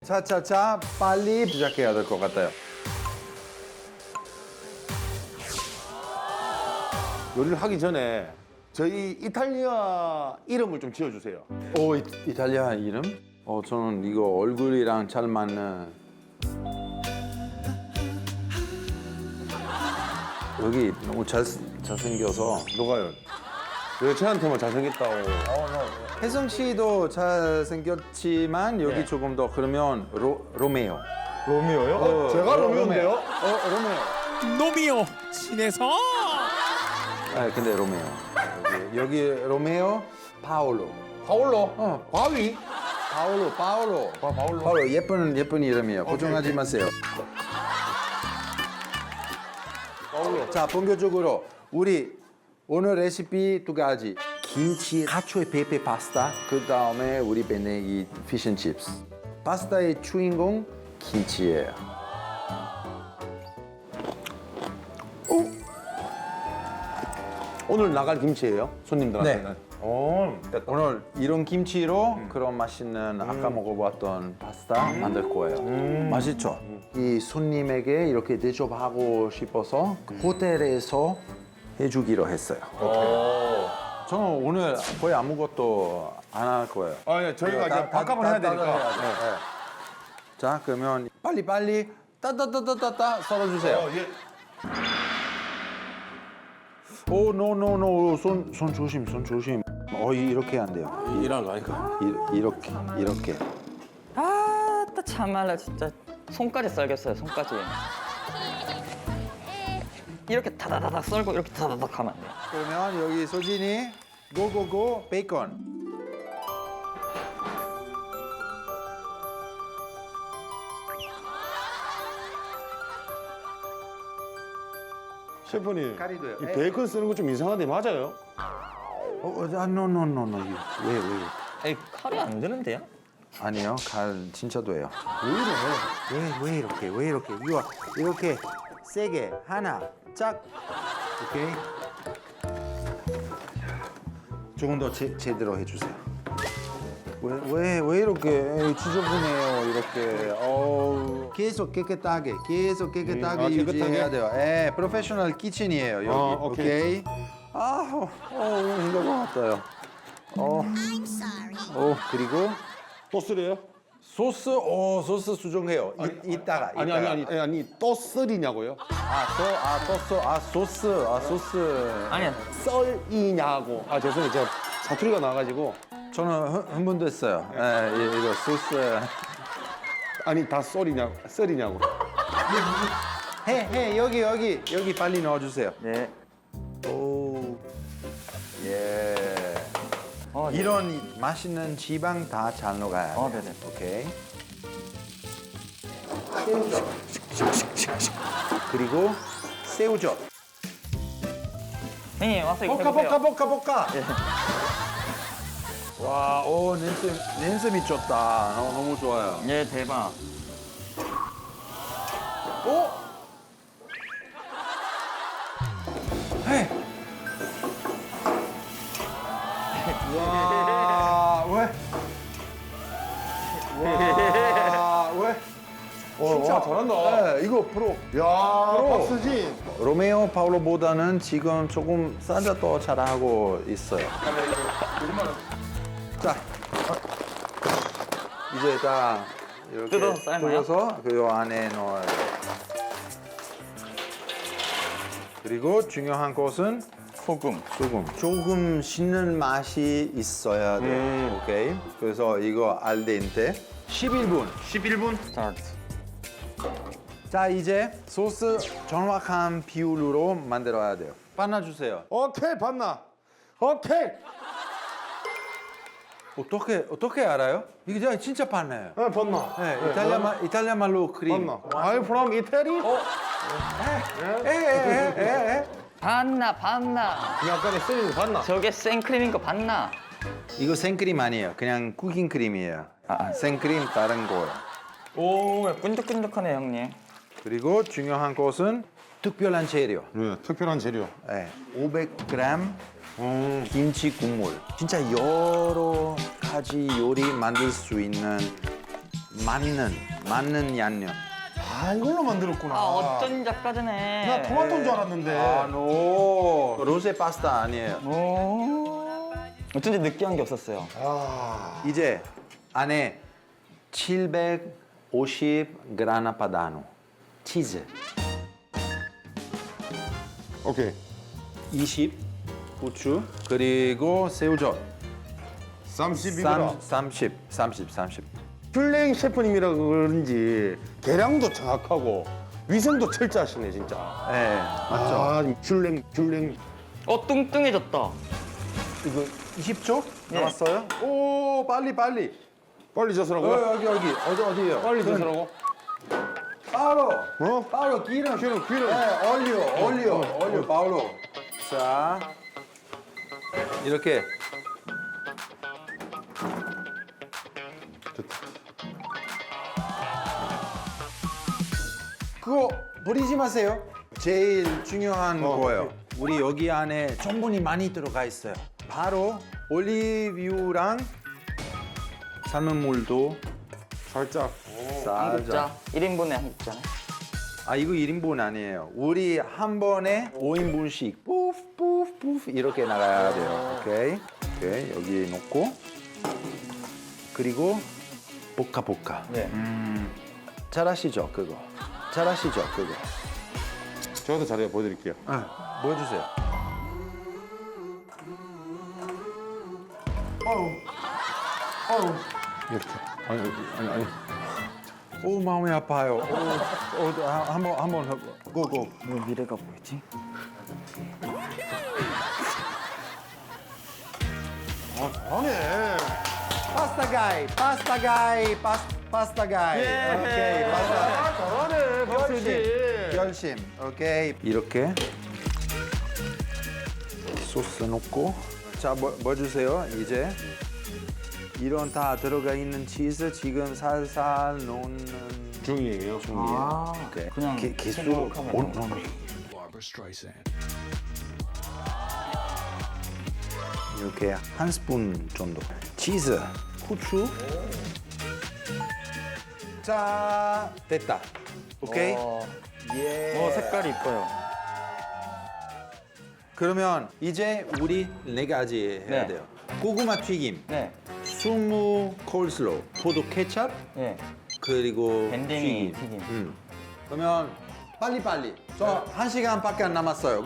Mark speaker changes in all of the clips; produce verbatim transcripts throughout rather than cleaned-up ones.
Speaker 1: 차차차 빨리 시작해야 될 것 같아요.
Speaker 2: 요리를 하기 전에 저희 이탈리아 이름을 좀 지어주세요.
Speaker 1: 오, 이, 이탈리아 이름? 어, 저는 이거 얼굴이랑 잘 맞는 여기 너무 잘 잘생겨서
Speaker 2: 누가요? 왜 저한테만 잘생겼다고?
Speaker 1: 혜성 씨도 잘생겼지만 여기
Speaker 3: 네.
Speaker 1: 조금 더 그러면 로, 로메오.
Speaker 2: 로미오요?
Speaker 1: 어,
Speaker 2: 제가
Speaker 1: 로-
Speaker 2: 로미오인데요?
Speaker 1: 어, 로메오.
Speaker 4: 노미오 친해서
Speaker 1: 아, 근데 로메오. 여기, 여기 로메오, 파올로.
Speaker 2: 파올로?
Speaker 1: 어,
Speaker 2: 바위?
Speaker 1: 파올로, 파올로.
Speaker 2: 아, 파올로.
Speaker 1: 파올로 예쁜 예쁜 이름이에요. 걱정하지 마세요.
Speaker 2: 파올로.
Speaker 1: 자, 본격적으로 우리 오늘 레시피 두 가지. 김치, 카초에 페페 파스타. 그 다음에 우리 베네기 피쉬앤칩스. 파스타의 주인공 김치예요.
Speaker 2: 오늘 나갈 김치예요? 손님들한테?
Speaker 1: 네.
Speaker 2: 오, 됐다.
Speaker 1: 오늘 이런 김치로 그런 맛있는 아까 먹어봤던 파스타 만들 거예요. 맛있죠? 이 손님에게 이렇게 대접하고 싶어서 그 호텔에서 해주기로 했어요. 저는 오늘 거의 아무것도 안 할 거예요.
Speaker 2: 아, 예, 저희가
Speaker 1: 다-
Speaker 2: 이제
Speaker 1: 다-
Speaker 2: 밥값을
Speaker 1: 다-
Speaker 2: 해야
Speaker 1: 다-
Speaker 2: 되니까.
Speaker 1: 다- 다- 네. 네. 자, 그러면 빨리 빨리 따따따따따 썰어주세요.
Speaker 2: 어, 예.
Speaker 1: 오, 노, 노, 노, 손, 손 조심, 손 조심. 어, 이- 이렇게 안 돼요.
Speaker 2: 일하는 거 아니까.
Speaker 1: 이, 이렇게, 이렇게.
Speaker 3: 아따 참말로 진짜 손까지 썰겠어요 손까지 이렇게 다다다닥 썰고 이렇게 다다닥 하면 안 돼요.
Speaker 1: 그러면 여기 소진이 고고고 베이컨.
Speaker 2: 셰프님,
Speaker 1: 가리도요.
Speaker 2: 이
Speaker 1: 에.
Speaker 2: 베이컨 쓰는 거 좀 이상한데 맞아요?
Speaker 1: 어, 어, 아, 노노노노 이거 왜 왜?
Speaker 3: 에이 칼이 안 되는데요?
Speaker 1: 아니요, 갈 진짜 돼요. 왜 이래? 왜 왜 이렇게 왜 이렇게 이거 이렇게 세게 하나 짝. 오케이. 조금 더 제, 제대로 해주세요. 왜 왜 왜 이렇게 에이, 지저분해요 이렇게. 어우. 계속 깨끗하게 계속 깨끗하게
Speaker 2: 음, 아,
Speaker 1: 유지해야
Speaker 2: 깨끗하게?
Speaker 1: 돼요. 예, 프로페셔널 키친이에요 여기.
Speaker 2: 아, 오케이.
Speaker 1: 오케이. 아, 어, 어, 힘들 것 같아요. 어, 어 그리고
Speaker 2: 또 쓰래요?
Speaker 1: 소스, 오 소스 수정해요. 이, 이따가.
Speaker 2: 아니,
Speaker 1: 이따가.
Speaker 2: 아니, 아니, 아니, 또 쓰리냐고요?
Speaker 1: 아, 또, 아, 소스, 아, 소스, 아, 소스.
Speaker 3: 아니야
Speaker 2: 썰이냐고. 아, 죄송해요. 제가 사투리가 나와가지고.
Speaker 1: 저는 흥- 흥분됐어요. 예, 이- 이거 소스.
Speaker 2: 아니, 다 썰이냐고. 썰이냐고.
Speaker 1: 해, 해, 여기, 여기, 여기 빨리 넣어주세요.
Speaker 3: 네.
Speaker 1: 오, 예.
Speaker 3: 어, 네.
Speaker 1: 이런 맛있는 지방 다 잘 녹아야 돼.
Speaker 3: 어, 네네.
Speaker 1: 오케이. 그리고 새우젓.
Speaker 3: 형님 와서 이거
Speaker 1: 볶아,
Speaker 3: 해보세요.
Speaker 1: 볶아, 볶아, 볶아. 와, 오, 냄새, 냄새 미쳤다. 어, 너무 좋아요.
Speaker 3: 예 대박.
Speaker 1: 오! 헤이! 와, 왜? 와, 왜?
Speaker 2: 어, 와, 잘한다.
Speaker 1: 네, 이거 프로.
Speaker 2: 야, 박수진.
Speaker 1: 로메오 파울로보다는 지금 조금 살짝 더 잘하고 있어요. 자, 어. 이제 다 이렇게
Speaker 3: 뜯어서 삶아요?
Speaker 1: 뜯어서 그 안에 넣어야 돼요. 그리고 중요한 것은
Speaker 3: 소금.
Speaker 1: 소금. 조금 씻는 맛이 있어야 돼요.
Speaker 2: 음.
Speaker 1: 오케이. 그래서 이거 알덴테 십일 분.
Speaker 3: 십일 분 스타트.
Speaker 1: 자, 이제 소스 정확한 비율로 만들어야 돼요. 빠놔주세요.
Speaker 2: 오케이, 봤나? 오케이.
Speaker 1: 어떻게 어떻게 알아요? 이게 진짜- 진짜 빠나요.
Speaker 2: 어, 봤나?
Speaker 1: 네, 이탈리아 말 이탈리아 말로 크림.
Speaker 2: 봤나? I'm from Italy?
Speaker 1: 에에에에.
Speaker 3: 봤나 봤나.
Speaker 2: 약간의 쓰리는 거 봤나?
Speaker 3: 저게 생크림인 거 봤나?
Speaker 1: 이거 생크림 아니에요. 그냥 쿠킹 크림이에요.
Speaker 3: 아.
Speaker 1: 생크림 다른 거예요.
Speaker 3: 오 끈적끈적하네 형님.
Speaker 1: 그리고 중요한 것은 특별한 재료.
Speaker 2: 네, 특별한 재료.
Speaker 1: 네, 오백 그램
Speaker 2: 음.
Speaker 1: 김치 국물. 진짜 여러 가지 요리 만들 수 있는 맞는 맞는 양념.
Speaker 2: 아 이걸로 만들었구나.
Speaker 3: 아 어쩐 작가드네.
Speaker 2: 나 토마토인 줄 알았는데.
Speaker 1: 아, 노. 로제 파스타 아니에요.
Speaker 3: 오. 어쩐지 느끼한 게 없었어요.
Speaker 2: 아.
Speaker 1: 이제 안에 칠백오십 그라나 파다노 치즈
Speaker 2: 오케이.
Speaker 1: 이십 후추 그리고 새우젓
Speaker 2: 삼십이 그램.
Speaker 1: 삼십 삼십 삼십
Speaker 2: 슐랭 셰프님이라 그런지 계량도 정확하고 위생도 철저하시네 진짜.
Speaker 1: 네 맞죠.
Speaker 2: 아, 슐랭 슐랭.
Speaker 3: 어 뚱뚱해졌다.
Speaker 1: 이거 이십 초
Speaker 3: 네.
Speaker 1: 남았어요? 오 빨리 빨리.
Speaker 2: 빨리
Speaker 1: 어,
Speaker 2: 젓으라고요?
Speaker 1: 여기 여기 어디 어디요?
Speaker 2: 빨리 젓으라고?
Speaker 1: 바로
Speaker 2: 어?
Speaker 1: 바로 기름
Speaker 2: 기름, 기름.
Speaker 1: 네, 올리오 올리오
Speaker 2: 어,
Speaker 1: 올리오 바로. 자 이렇게 그거 버리지 마세요. 제일 중요한
Speaker 2: 어,
Speaker 1: 거예요.
Speaker 2: 오케이.
Speaker 1: 우리 여기 안에 전분이 많이 들어가 있어요. 바로 올리브유랑 삶은 물도
Speaker 2: 살짝.
Speaker 3: 한국자 일 인분에 한국자.
Speaker 1: 아 이거 일 인분 아니에요. 우리 한 번에 오 인분씩 뿌프 뿌프 뿌프 이렇게 나가야 돼요. 오케이. 오케이. 여기 놓고 그리고 볶아 볶아.
Speaker 3: 네.
Speaker 1: 잘하시죠 그거. 잘하시죠 그거.
Speaker 2: 저도 자료 보여드릴게요.
Speaker 1: 아, 보여주세요.
Speaker 2: 이렇게. 아니 아니 아니.
Speaker 1: 오 마음이 아파요. 오, 오, 한번 한번 고고.
Speaker 3: 왜 미래가 보이지?
Speaker 2: 아 잘하네.
Speaker 1: 파스타 가이, 파스타 가이, 파스, 파스타 가이. 오케이, 파스타.
Speaker 2: 아 잘하네 박수지.
Speaker 1: 열심. 오케이. 이렇게 소스 넣고 자, 뭐, 뭐 주세요? 이제 이런 다 들어가 있는 치즈 지금 살살 넣는
Speaker 2: 중이에요. 중이에요.
Speaker 3: 아
Speaker 1: 오케이.
Speaker 3: 그냥
Speaker 1: 기, 기술
Speaker 3: 생각하면
Speaker 1: 온, 온.
Speaker 4: Barbara Streisand.
Speaker 1: 이렇게 한 스푼 정도. 치즈, 후추. 자, 됐다. 오케이.
Speaker 3: 어,
Speaker 1: 예.
Speaker 3: 어 색깔이 이뻐요.
Speaker 1: 그러면 이제 우리 네 가지 해야
Speaker 3: 네.
Speaker 1: 돼요. 고구마 튀김,
Speaker 3: 네.
Speaker 1: 수무 콜슬로우, 포도 케찹,
Speaker 3: 네.
Speaker 1: 그리고
Speaker 3: 밴댕이
Speaker 1: 튀김.
Speaker 3: 튀김.
Speaker 1: 음. 그러면 빨리 빨리. 저 한 시간밖에 안 남았어요.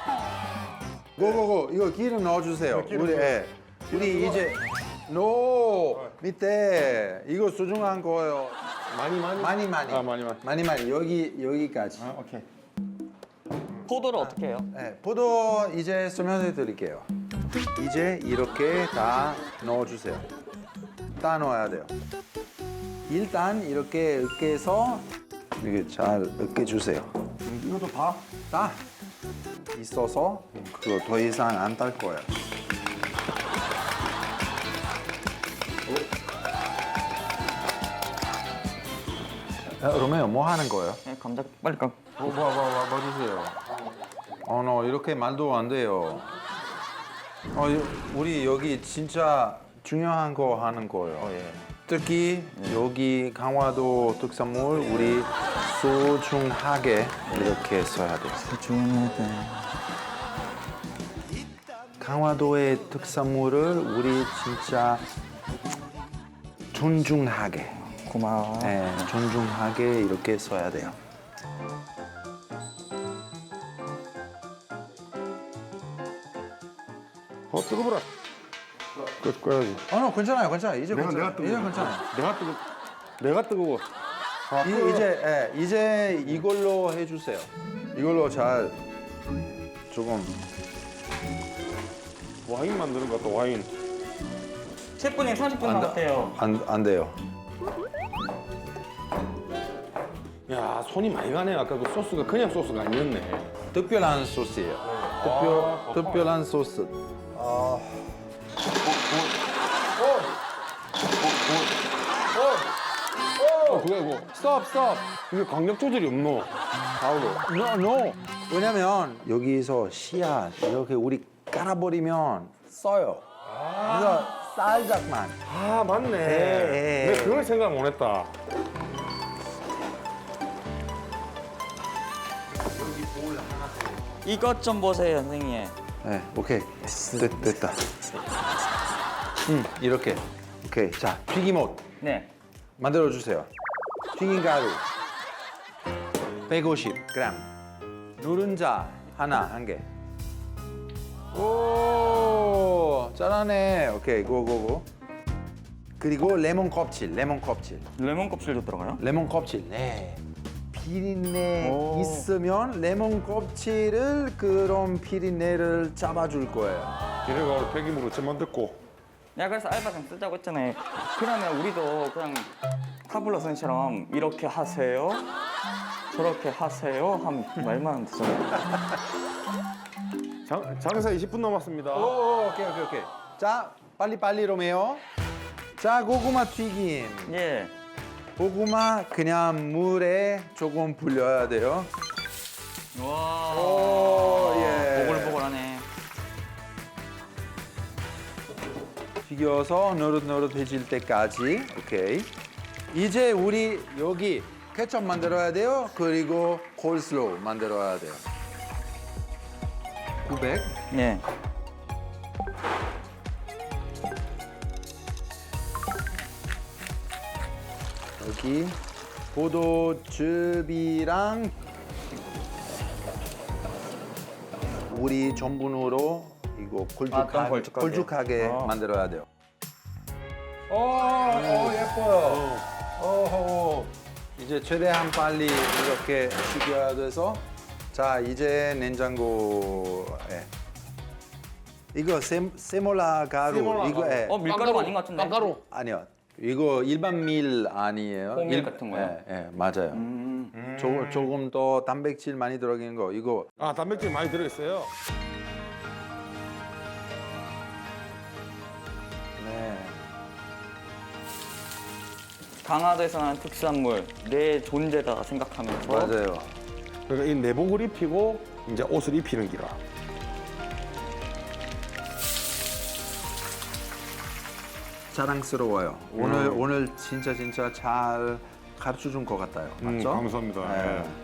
Speaker 1: 고고고 이거 기름 넣어주세요.
Speaker 2: 기름
Speaker 1: 우리
Speaker 2: 넣어요.
Speaker 1: 예. 우리 이제 노 밑에 이거 소중한 거예요.
Speaker 2: 많이 많이.
Speaker 1: 많이 많이.
Speaker 2: 아 많이 많이.
Speaker 1: 많이 많이 여기 여기까지.
Speaker 2: 아 오케이.
Speaker 3: 포도를 어떻게 해요?
Speaker 1: 네, 포도 이제 설명해 드릴게요. 이제 이렇게 다 넣어주세요. 다 넣어야 돼요. 일단 이렇게 으깨서 이렇게 잘 으깨주세요.
Speaker 2: 이것도 다.
Speaker 1: 다 있어서 그거 더 이상 안 딸 거예요. 어? 로메오 뭐 하는 거예요?
Speaker 3: 네, 감자 빨리 까.
Speaker 1: 뭐, 뭐, 뭐, 뭐, 뭐 주세요. 어, 너 이렇게 말도 안 돼요. 어, 이- 우리 여기 진짜 중요한 거 하는 거예요.
Speaker 3: 어, 예.
Speaker 1: 특히 여기 강화도 특산물 우리 소중하게 이렇게 써야 돼요.
Speaker 3: 중요하다.
Speaker 1: 강화도의 특산물을 우리 진짜 존중하게,
Speaker 3: 고마워.
Speaker 1: 네, 존중하게 이렇게 써야 돼요.
Speaker 2: 어 뜨거워라. 끄 꺼야지.
Speaker 1: 어, 너 괜찮아요, 괜찮아요. 이제
Speaker 2: 내가
Speaker 1: 괜찮아요.
Speaker 2: 내가 뜨거워.
Speaker 1: 이제 괜찮아요.
Speaker 2: 내가 뜨거. 내가 뜨거워. 아,
Speaker 1: 이, 이제 예, 이제 이걸로 해주세요. 이걸로 잘 조금
Speaker 2: 와인 만드는 것 같다 와인.
Speaker 3: 셰프님 삼십 분
Speaker 1: 안,
Speaker 3: 남았대요.
Speaker 1: 안, 안 돼요.
Speaker 2: 야 손이 많이 가네. 아까 그 소스가 그냥 소스가 아니었네.
Speaker 1: 특별한 소스예요. 특별 특별한 소스.
Speaker 2: 어 그거 이거.
Speaker 1: 스톱 스톱.
Speaker 2: 이게 강력 조절이 없노. 가오로.
Speaker 1: No no. 왜냐면 여기서 씨앗 이렇게 우리 깔아버리면 써요. 그래서 살짝만.
Speaker 2: 아 맞네.
Speaker 1: 네.
Speaker 2: 내가 그걸 생각 못했다.
Speaker 3: 이것 좀 보세요, 선생님.
Speaker 1: 네, 오케이. 됐, 됐다. 음, 이렇게. 오케이. 자, 튀김옷
Speaker 3: 네.
Speaker 1: 만들어 주세요. 튀김 가루 백오십 그램. 노른자 하나 한 개. 오, 잘하네. 오케이, 고고고. 그리고 레몬 껍질, 레몬 껍질.
Speaker 3: 레몬 껍질도 들어가요?
Speaker 1: 레몬 껍질. 네. 비린내
Speaker 3: 오.
Speaker 1: 있으면 레몬 껍질을 그런 비린내를 잡아줄 거예요.
Speaker 2: 기내가 폐기물로 잼만 듣고.
Speaker 3: 내가 그래서 알바생 쓰자고 했잖아요. 그러면 우리도 그냥 타블로 선생님처럼 이렇게 하세요, 저렇게 하세요 하면 말만 하면 되잖아요.
Speaker 2: 장, 장사 이십 분 남았습니다.
Speaker 1: 오, 오케이, 오케이, 오케이. 자, 빨리 빨리 로메오. 자, 고구마 튀김.
Speaker 3: 예.
Speaker 1: 고구마 그냥 물에 조금 불려야 돼요.
Speaker 3: 와.
Speaker 1: 오, 예.
Speaker 3: 보글보글하네.
Speaker 1: 튀겨서 노릇노릇해질 때까지. 오케이. 이제 우리 여기 케첩 만들어야 돼요. 그리고 콜슬로우 만들어야 돼요. 구백.
Speaker 3: 예.
Speaker 1: 여기 포도즙이랑 우리 전분으로 이거
Speaker 3: 아,
Speaker 1: 걸쭉하게,
Speaker 3: 좀 걸쭉하게.
Speaker 1: 걸쭉하게
Speaker 3: 어.
Speaker 1: 만들어야 돼요. 오, 오 예뻐요. 오, 이제 최대한 빨리 이렇게 식혀야 돼서 자 이제 냉장고에 이거 세, 세몰라 가루
Speaker 2: 세몰라
Speaker 1: 이거
Speaker 2: 가루.
Speaker 1: 예.
Speaker 3: 어, 밀가루 아닌 것 같은데?
Speaker 2: 깜가루.
Speaker 1: 아니요. 이거 일반 밀 아니에요.
Speaker 3: 호밀
Speaker 1: 일-
Speaker 3: 같은 거요?
Speaker 1: 예, 예, 맞아요.
Speaker 3: 음.
Speaker 1: 조금 조금 더 단백질 많이 들어가는 거 이거
Speaker 2: 아 단백질 많이 들어있어요.
Speaker 1: 네.
Speaker 3: 강화도에서 나는 특수한 물, 내 존재다 생각하면서
Speaker 1: 맞아요.
Speaker 2: 그러니까 이 내복을 입히고 이제 옷을 입히는 기라.
Speaker 1: 자랑스러워요. 오늘 오늘 진짜 진짜 잘 가르쳐 준 것 같아요.
Speaker 2: 음,
Speaker 1: 맞죠?
Speaker 2: 감사합니다.
Speaker 1: 네.
Speaker 2: 예.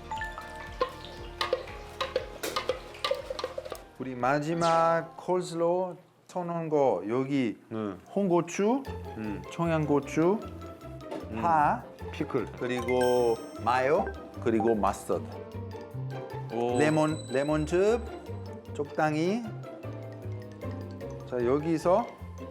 Speaker 1: 우리 마지막 콜슬로 쳐놓은 거 여기
Speaker 2: 네.
Speaker 1: 홍고추, 청양고추, 파,
Speaker 2: 피클.
Speaker 1: 그리고 마요, 그리고 마스터드.
Speaker 3: 오.
Speaker 1: 레몬 레몬즙 적당히. 자 여기서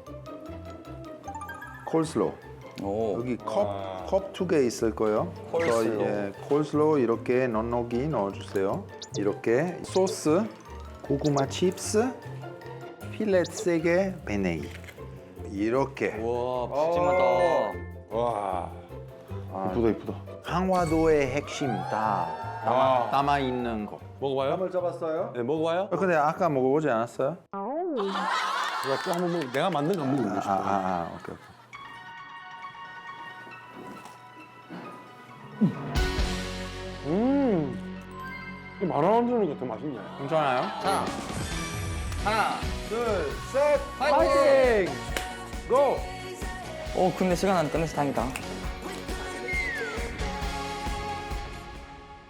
Speaker 1: 콜슬로
Speaker 3: 오.
Speaker 1: 여기
Speaker 2: 와.
Speaker 1: 컵컵 두 개 있을 거예요. 그래서
Speaker 3: 콜슬로.
Speaker 1: 예, 콜슬로 이렇게 넉넉히 넣어주세요. 이렇게 소스, 고구마 칩스, 필렛 세 개, 베네이 이렇게.
Speaker 3: 와, 푸짐하다.
Speaker 2: 와.
Speaker 1: 아,
Speaker 2: 이쁘다 이쁘다.
Speaker 1: 강화도의 핵심 다 담아,
Speaker 2: 와.
Speaker 1: 담아 있는 거.
Speaker 2: 먹어봐요?
Speaker 1: 한번 잡았어요?
Speaker 2: 네 먹어봐요.
Speaker 1: 어, 근데 아까 먹어보지 않았어요?
Speaker 2: 내가 또 한번 먹. 내가 만든 거 한번
Speaker 1: 아,
Speaker 2: 먹어보고
Speaker 1: 아,
Speaker 2: 싶다.
Speaker 1: 아, 오케이, 오케이.
Speaker 2: 음. 이 말아먹는 게 더 맛있네.
Speaker 1: 괜찮아요?
Speaker 3: 자, 하나.
Speaker 1: 둘, 셋,
Speaker 3: 파이팅!
Speaker 1: 파이팅! 고!
Speaker 3: 오, 근데 시간 안 끝내서 다행이다.